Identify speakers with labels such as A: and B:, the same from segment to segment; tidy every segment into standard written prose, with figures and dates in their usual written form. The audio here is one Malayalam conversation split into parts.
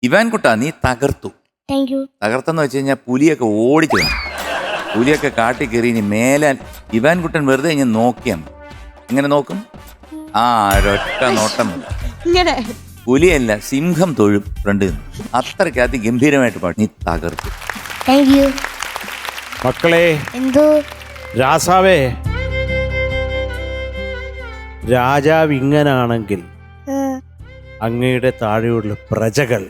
A: ഇവാൻകുട്ടാ, നീ തകർത്തു. തകർത്തെന്ന് വെച്ച് കഴിഞ്ഞാൽ പുലിയൊക്കെ ഓടിച്ചു കാണും. പുലിയൊക്കെ കാട്ടി കയറി. ഇനി മേലാൽ ഇവാൻകുട്ടൻ വെറുതെ ഇങ്ങനെ നോക്കിയാണ്. എങ്ങനെ നോക്കും? ഒരൊറ്റ നോട്ടം. പുലിയല്ല, സിംഹം തൊഴും ഫ്രണ്ടിൽ നിന്ന്. അത്രയ്ക്ക് അതിഗംഭീരമായിട്ട് പാടി. നീ തകർത്തു.
B: മക്കളെ, രാസാവേ, രാജാവ് ഇങ്ങനാണെങ്കിൽ അങ്ങയുടെ താഴെയുള്ള പ്രജകൾ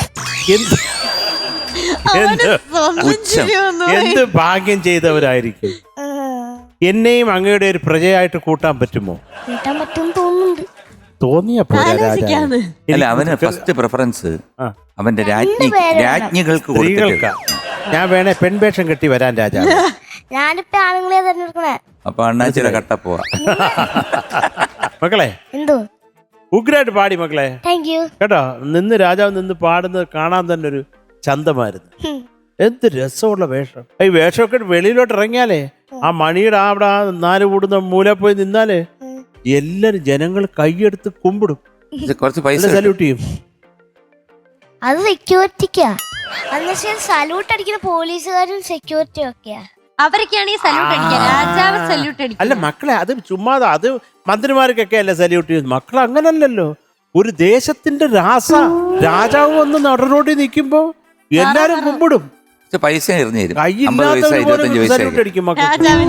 B: എന്ത് ഭാഗ്യം ചെയ്തവരായിരിക്കും. എന്നെയും അങ്ങയുടെ ഒരു പ്രജയായിട്ട് കൂട്ടാൻ പറ്റുമോ? തോന്നിയപ്പോ
A: അല്ല, അവന് ഫസ്റ്റ് പ്രിഫറൻസ് അവന്റെ രാജ്ഞികൾക്ക്
B: സ്ത്രീകൾക്കാ. ഞാൻ വേണേ പെൺവേഷം കെട്ടി വരാൻ രാജാവ്.
C: ഞാനിപ്പോ ആണുങ്ങളെ തെരഞ്ഞെടുക്കണേ.
A: അപ്പൊ അണ്ണാച്ചിയുടെ കട്ട പോവാ.
B: മക്കളെ, ഉഗ്രായിട്ട് പാടി മക്കളെ. കേട്ടോ, നിന്ന് രാജാവ് നിന്ന് പാടുന്നത് കാണാൻ തന്നെ ഒരു ചന്തമായിരുന്നു. എന്ത് രസമുള്ള വേഷം. ഈ വേഷമൊക്കെ വെളിയിലോട്ട് ഇറങ്ങിയാലേ, ആ മണിയുടെ അവിടെ 4 കൂടുന്ന മൂല പോയി നിന്നാലേ എല്ലാരും ജനങ്ങൾ കൈയെടുത്ത് കുമ്പിടും,
A: കുറച്ച് പൈസ
B: സല്യൂട്ട് ചെയ്യും.
C: അത് സെക്യൂരിറ്റിക്കാ. സല്യൂട്ട് അടിക്കുന്ന പോലീസുകാരും സെക്യൂരിറ്റി ഒക്കെയാ.
D: അവരൊക്കെയാണ് ഈ സല്യൂട്ട് അടിക്കുക. രാജാവ് സല്യൂട്ട് അടിക്കുക.
B: അല്ല മക്കളെ, അത് ചുമ്മാതെ, അത് മന്ത്രിമാർക്കൊക്കെ അല്ലേ സല്യൂട്ട് ചെയ്യുന്നത്. മക്കൾ അങ്ങനല്ലല്ലോ. ഒരു ദേശത്തിന്റെ രാജാവ് വന്ന് നടനോട്ടി നിൽക്കുമ്പോ എല്ലാരും കുമ്പിടും.
A: പൈസ എറിഞ്ഞു തരും.
B: കയ്യില്ലാത്തവര് സല്യൂട്ട് അടിക്കും മക്കൾ.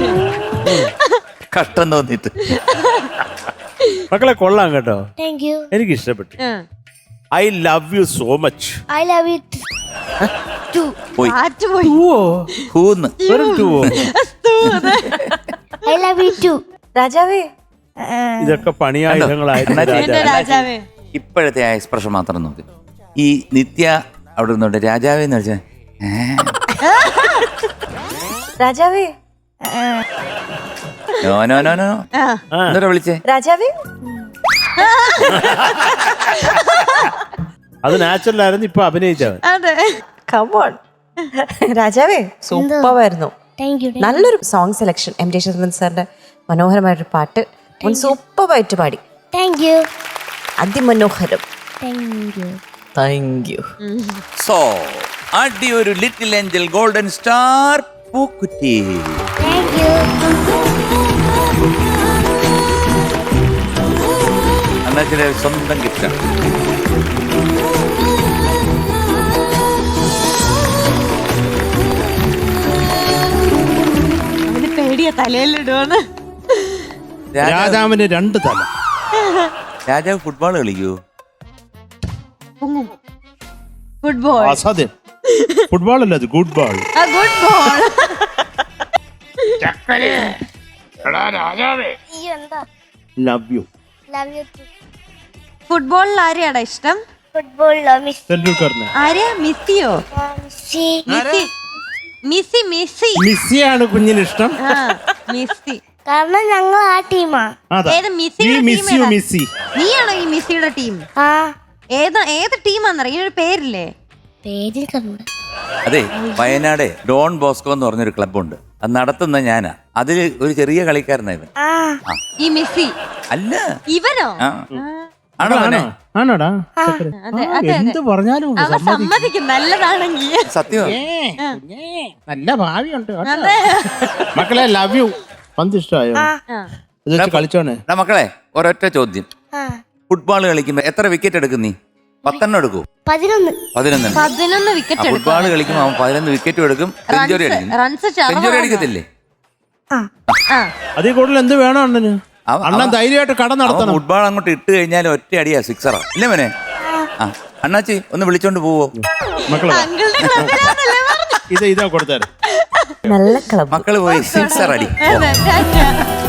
A: കഷ്ടം തോന്നിട്ട്.
B: മക്കളെ കൊള്ളാം കേട്ടോ, എനിക്ക് ഇഷ്ടപ്പെട്ടു. I love you so much.
C: I love you too. I love you too.
D: രാജാവേ,
B: ഇതൊക്കെ പണിയായുധങ്ങളായിരുന്നു.
A: ഇപ്പോഴത്തെ ആ എക്സ്പ്രഷൻ മാത്രം നോക്ക്. ഈ നിത്യ അവിടെ നിന്നോണ്ട് രാജാവേ എന്ന് വെച്ചാൽ
D: രാജാവേ,
A: എന്താ വിളിച്ചേ?
D: രാജാവേ,
B: അത് നാച്ചുറൽ ആയിരുന്നു. ഇപ്പൊ അഭിനയിച്ചവൻ.
D: രാജാവേ, സൂപ്പറായിരുന്നു. നല്ലൊരു സോങ് സെലക്ഷൻ. M.D. ശ്രീധരൻ സാറിന്റെ മനോഹരമായൊരു പാട്ട് സൂപ്പറായിട്ട് പാടി. അതിമനോഹരം. Thank you.
A: സോ അടി ഒരു ലിറ്റിൽ ഏഞ്ചൽ ഗോൾഡൻ സ്റ്റാർ പൂക്കുറ്റി. അണ്ണാച്ചിയുടെ സ്വന്തം ഗിഫ്റ്റാണ്.
D: പേടിയ തലയിലിടുവാണ്.
B: രാജാവിന് 2 തല.
A: രാജാവ് ഫുട്ബോൾ കളിക്കൂ?
D: ഫുട്ബോൾ
B: അസാധ്യം. ഫുട്ബോൾ അല്ല, അത് good ball.
D: Good ball.
B: Love you.
D: ഫുട്ബോളിൽ ആരെയാടാ ഇഷ്ടം?
C: ഫുട്ബോളിലോ
D: ആരെയാ? മെസ്സിയോ?
B: മെസ്സിയാണ് കുഞ്ഞിന് ഇഷ്ടം.
D: മെസ്സി.
C: കാരണം ഞങ്ങൾ ആ ടീമാ.
D: നീയാണോ ഈ മെസ്സിയുടെ ടീം? ഏത് ടീമാന്നറിയ? ഒരു പേരില്ലേ?
A: അതെ, വയനാട് ഡോൺ ബോസ്കോ എന്ന് പറഞ്ഞൊരു ക്ലബ്ബുണ്ട്. അത് നടത്തുന്ന ഞാനാ. അതില് ഒരു ചെറിയ കളിക്കാരനായിരുന്നു.
D: ഈ മെസ്സി
A: അല്ല,
D: ഇവനോ?
B: ആണോടാ? എന്ത് പറഞ്ഞാലും
D: സമ്മതിക്കും. നല്ലതാണെങ്കിൽ
A: സത്യം.
B: നല്ല ഭാവിയുണ്ട് മക്കളെ. Love you. പന്ത് ഇഷ്ടമായോ? കളിച്ചോണേ
A: മക്കളെ. ഒരൊറ്റ ചോദ്യം. ഫുട്ബോൾ കളിക്കുമ്പോ എത്ര വിക്കറ്റ് എടുക്കും നീ? 10 എടുക്കൂ? 11
D: വിക്കറ്റ്.
A: ഫുട്ബോൾ കളിക്കുമ്പോ അവൻ 11 വിക്കറ്റും എടുക്കും. സെഞ്ചുറി അടിക്കും. സെഞ്ചുറി അടിക്കത്തില്ലേ?
B: അതിൽ കൂടുതൽ എന്ത് വേണം അണ്ണന്? അണ്ണൻ ധൈര്യമായിട്ട് കട നടത്തണം.
A: ഫുട്ബോൾ അങ്ങോട്ട് ഇട്ട് കഴിഞ്ഞാൽ ഒറ്റ അടിയാ, സിക്സറാ. ഇല്ലേ മോനെ? അണ്ണാച്ചി ഒന്ന് വിളിച്ചോണ്ട് പോവോ
B: മക്കളെ? ഇതാ കൊടുത്താரு.
D: നല്ല ക്ലബ്.
A: മക്കള് പോയി സിക്സർ അടി.